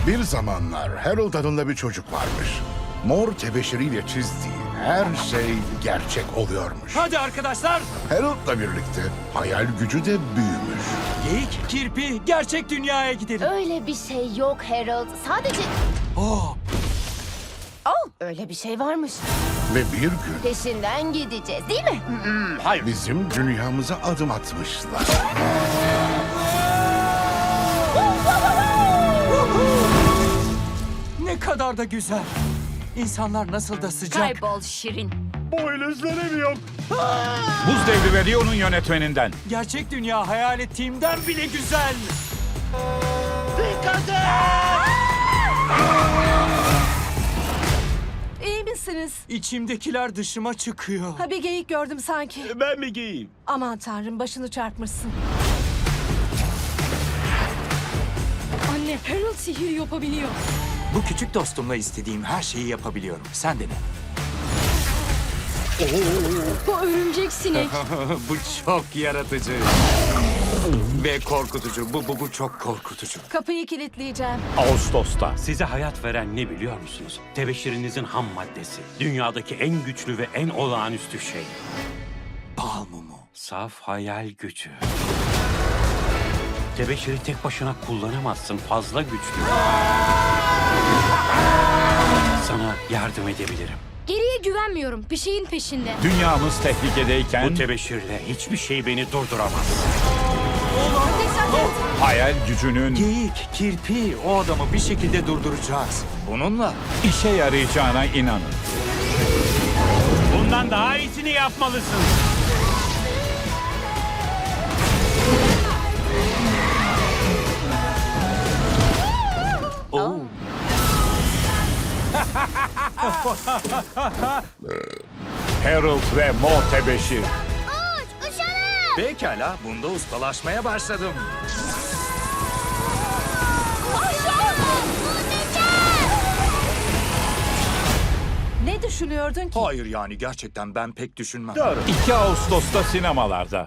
Bir zamanlar Harold adında bir çocuk varmış. Mor tebeşiriyle çizdiği her şey gerçek oluyormuş. Hadi arkadaşlar. Harold'la birlikte hayal gücü de büyümüş. Geyik, kirpi, gerçek dünyaya gidelim. Öyle bir şey yok Harold. Sadece... Oh, öyle bir şey varmış. Ve bir gün Peşinden gideceğiz değil mi? bizim dünyamıza adım atmışlar. ne kadar da güzel. İnsanlar nasıl da sıcak. Kaybol Şirin. Buz Devri ve Rio'nun yönetmeninden. Gerçek dünya hayal ettiğimden bile güzel. İyi misiniz? İçimdekiler dışıma çıkıyor. Ha, bir geyik gördüm sanki. Ben mi giyeyim? Aman tanrım, başını çarpmışsın. Anne, Harold sihir yapabiliyor. Bu küçük dostumla istediğim her şeyi yapabiliyorum. Sen de ne? Bu örümcek sinek. Bu çok yaratıcı. Ve korkutucu. Bu çok korkutucu. Kapıyı kilitleyeceğim. Ağustos'ta. Size hayat veren ne biliyor musunuz? Tebeşirinizin ham maddesi. Dünyadaki en güçlü ve en olağanüstü şey. Bal mumu. Saf hayal gücü. Tebeşiri tek başına kullanamazsın. Fazla güçlü. Sana yardım edebilirim. Geriye güvenmiyorum. Bir şeyin peşinde. Dünyamız tehlikedeyken Bu tebeşirle hiçbir şey beni durduramaz. hayal gücünün Geyik, kirpi, o adamı bir şekilde durduracağız. Bununla. işe yarayacağına inanın. Bundan daha iyisini yapmalısın. Oo. Harold ve Mor Tebeşir. Pekala, bunda ustalaşmaya başladım. Ne düşünüyordun ki? Hayır yani gerçekten ben pek düşünmem. 2 Ağustos'ta sinemalarda.